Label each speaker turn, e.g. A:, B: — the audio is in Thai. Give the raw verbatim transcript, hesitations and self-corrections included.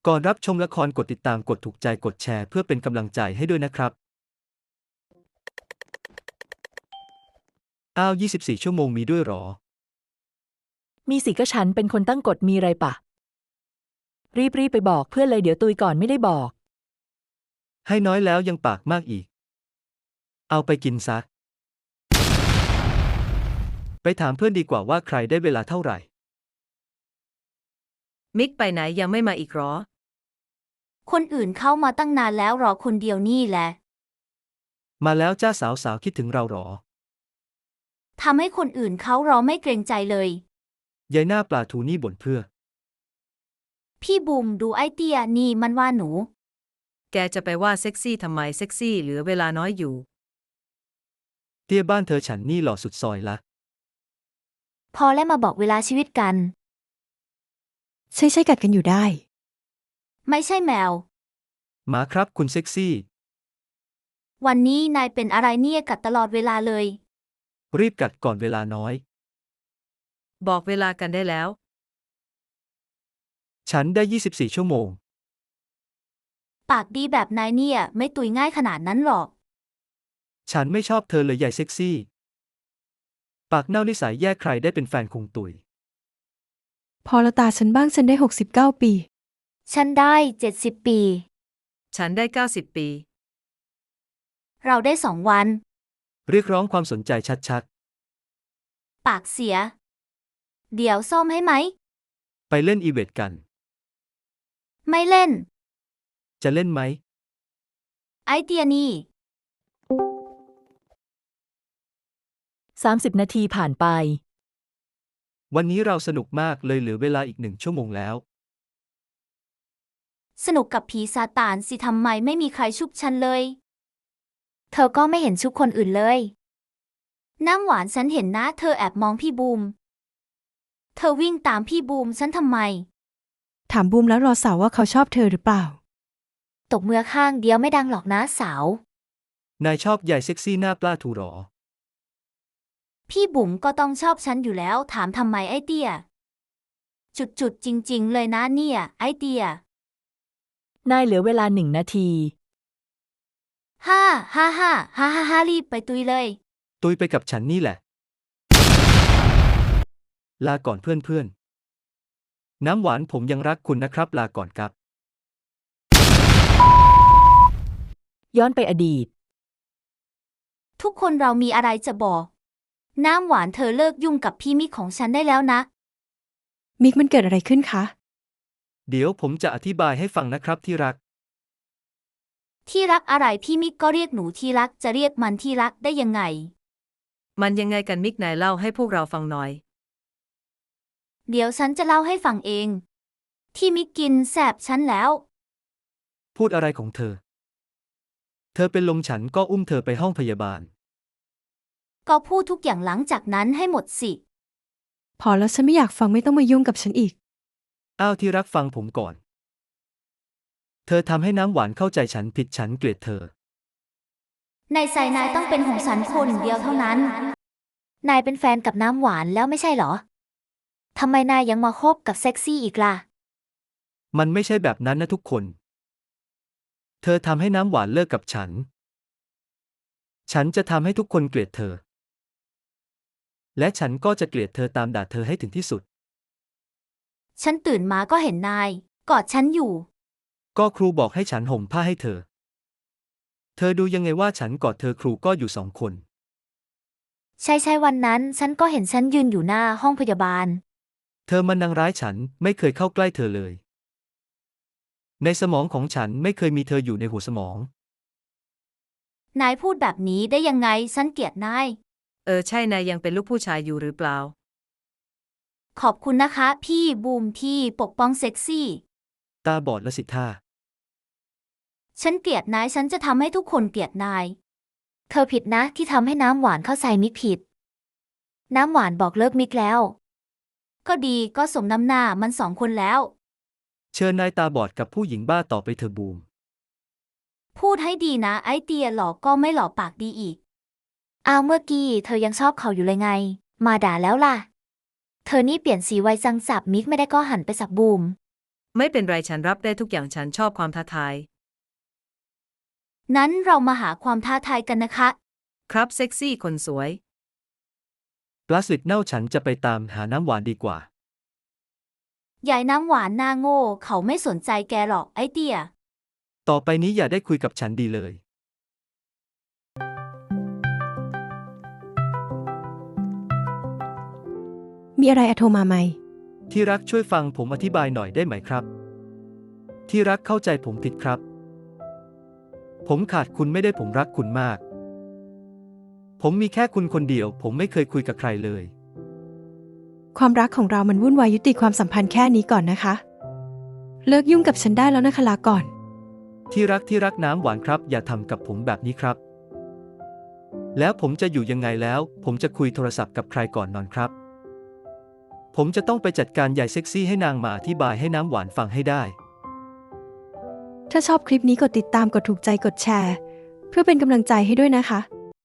A: ก่อนรับชมละครกดติดตามกดถูกใจกดแชร์เพื่อเป็นกำลังใจให้ด้วยนะครับอ้าวยี่สิบสี่ชั่วโมงมีด้วยหรอ
B: มีสิก็ฉันเป็นคนตั้งกฎมีไรปะรีบๆไปบอกเพื่อนเลยเดี๋ยวตุยก่อนไม่ได้บอก
A: ให้น้อยแล้วยังปากมากอีกเอาไปกินซะไปถามเพื่อนดีกว่าว่าใครได้เวลาเท่าไหร่
C: มิกไปไหนยังไม่มาอีกหรอ
D: คนอื่นเข้ามาตั้งนานแล้วรอคนเดียวนี่แหละ
A: มาแล้วจ้าสาวสาวคิดถึงเราหรอ
D: ทำให้คนอื่นเขารอไม่เกรงใจเลย
A: ยายหน้าปลาทูนี่บ่นเพื่อ
D: พี่บูมดูไอเตี้ยนี่มันว่าหนู
C: แกจะไปว่าเซ็กซี่ทำไมเซ็กซี่เหลือเวลาน้อยอยู่
A: เตี้ยบ้านเธอฉันนี่หล่อสุดซอยละ
D: พอแล้วมาบอกเวลาชีวิตกัน
E: ใช่ใช่กัดกันอยู่ได้
D: ไม่ใช่แมว
A: หมาครับคุณเซ็กซี่
D: วันนี้นายเป็นอะไรเนี่ยกัดตลอดเวลาเลย
A: รีบกัดก่อนเวลาน้อย
C: บอกเวลากันได้แล้ว
A: ฉันได้ยี่สิบสี่ชั่วโมง
D: ปากดีแบบนายเนี่ยไม่ตุยง่ายขนาดนั้นหรอก
A: ฉันไม่ชอบเธอเลยใหญ่เซ็กซี่ปากเน่านิสัยแย่ใครได้เป็นแฟนคงตุย
E: พอละตาฉันบ้างฉันได้หกสิบเก้าปี
D: ฉันได้เจ็ดสิบปี
C: ฉันได้เก้าสิบปี
D: เราได้สองวัน
A: เรียกร้องความสนใจชัด
D: ปากเสียเดี๋ยวซ่อมให้ไหม
A: ๆไปเล่นอีเวนต์กัน
D: ไม่เล่น
A: จะเล่นไหม
D: ไอเตียนี่
B: สามสิบนาทีผ่านไป
A: วันนี้เราสนุกมากเลยเหลือเวลาอีกหนึ่งชั่วโมงแล้ว
D: สนุกกับผีซาตานสิทำไมไม่มีใครชุบฉันเลยเธอก็ไม่เห็นชุบคนอื่นเลยน้ำหวานฉันเห็นนะเธอแอบมองพี่บูมเธอวิ่งตามพี่บูมฉันทำไม
E: ถามบูมแล้วรอสาวว่าเขาชอบเธอหรือเปล่า
D: ตบมือข้างเดียวไม่ดังหรอกนะสาวน
A: ายชอบใหญ่เซ็กซี่หน้าปลาทูหรอ
D: พี่บุ๋มก็ต้องชอบฉันอยู่แล้วถามทำไมไอเตี้ยจุดๆจริงๆเลยนะเนี่ยไอเตี้ย
B: นายเหลือเวลาหนึ่งนาที
D: ฮ่าฮ่าฮ่าฮ่าฮ่าฮ่ารีบไปตุยเลย
A: ตุยไปกับฉันนี่แหละลาก่อนเพื่อนๆน้ำหวานผมยังรักคุณนะครับลาก่อนครับ
B: ย้อนไปอดีต
D: ทุกคนเรามีอะไรจะบอกน้ำหวานเธอเลิกยุ่งกับพี่มิกของฉันได้แล้วนะ
E: มิกมันเกิดอะไรขึ้นคะ
A: เดี๋ยวผมจะอธิบายให้ฟังนะครับที่รัก
D: ที่รักอะไรพี่มิกก็เรียกหนูที่รักจะเรียกมันที่รักได้ยังไง
C: มันยังไงกันมิกนายเล่าให้พวกเราฟังหน่อย
D: เดี๋ยวฉันจะเล่าให้ฟังเองที่มิกกินแสบฉันแล้ว
A: พูดอะไรของเธอเธอเป็นลมฉันก็อุ้มเธอไปห้องพยาบาล
D: ก็พูดทุกอย่างหลังจากนั้นให้หมดสิ
E: พอแล้วฉันไม่อยากฟังไม่ต้องมายุ่งกับฉันอีก
A: อ้าวที่รักฟังผมก่อนเธอทำให้น้ำหวานเข้าใจฉันผิดฉันเกลียดเธอ
D: ในใจนายต้องเป็นของฉันคนเดียวเท่านั้นนายเป็นแฟนกับน้ำหวานแล้วไม่ใช่หรอทำไมนายยังมาคบกับเซ็กซี่อีกล่ะ
A: มันไม่ใช่แบบนั้นนะทุกคนเธอทำให้น้ำหวานเลิกกับฉันฉันจะทำให้ทุกคนเกลียดเธอและฉันก็จะเกลียดเธอตามด่าเธอให้ถึงที่สุด
D: ฉันตื่นมาก็เห็นนายกอดฉันอยู่
A: ก็ครูบอกให้ฉันห่มผ้าให้เธอเธอดูยังไงว่าฉันกอดเธอครูก็อยู่สองคน
D: ใช่ใช่วันนั้นฉันก็เห็นฉันยืนอยู่หน้าห้องพยาบาล
A: เธอมันนางร้ายฉันไม่เคยเข้าใกล้เธอเลยในสมองของฉันไม่เคยมีเธออยู่ในหัวสมอง
D: นายพูดแบบนี้ได้ยังไงฉันเกลียดนาย
C: เออใช่นายยังเป็นลูกผู้ชายอยู่หรือเปล่า
D: ขอบคุณนะคะพี่บูมที่ปกป้องเซ็กซี่
A: ตาบอดละสิท่า
D: ฉันเกลียดนายฉันจะทำให้ทุกคนเกลียดนายเธอผิดนะที่ทำให้น้ำหวานเข้าใจมิกผิดน้ำหวานบอกเลิกมิกแล้วก็ดีก็สมน้ำหน้ามันสองคนแล้ว
A: เชิญนายตาบอดกับผู้หญิงบ้าต่อไปเธอบูม
D: พูดให้ดีนะไอเตียหลอกก็ไม่หลอกปากดีอีกอ้าวเมื่อกี้เธอยังชอบเขาอยู่เลยไงมาด่าแล้วล่ะเธอนี่เปลี่ยนสีไวจังสับมิกไม่ได้ก็หันไปสับบูม
C: ไม่เป็นไรฉันรับได้ทุกอย่างฉันชอบความท้าทาย
D: นั้นเรามาหาความท้าทายกันนะคะ
C: ครับเซ็กซี่คนสวย
A: ปลาสลิดเน่าฉันจะไปตามหาน้ำหวานดีกว่า
D: ยายน้ำหวานหน้าโง่เขาไม่สนใจแกหรอกไอ้เตี้ย
A: ต่อไปนี้อย่าได้คุยกับฉันดีเลย
E: มีอะไรอะโทรมาไหม
A: ที่รักช่วยฟังผมอธิบายหน่อยได้ไหมครับ ที่รักเข้าใจผมผิดครับ ผมขาดคุณไม่ได้ผมรักคุณมาก ผมมีแค่คุณคนเดียว ผมไม่เคยคุยกับใครเลย
E: ความรักของเรามันวุ่นวายยุติความสัมพันธ์แค่นี้ก่อนนะคะ เลิกยุ่งกับฉันได้แล้วนะคะลาก่อน
A: ที่รักที่รักน้ำหวานครับ อย่าทำกับผมแบบนี้ครับ แล้วผมจะอยู่ยังไงแล้ว ผมจะคุยโทรศัพท์กับใครก่อนนอนครับ ผมจะต้องไปจัดการยายเซ็กซี่ให้นางมาอธิบายให้น้ำหวานฟังให้ได้
E: ถ้าชอบคลิปนี้กดติดตามกดถูกใจกดแชร์ เพื่อเป็นกำลังใจให้ด้วยนะคะ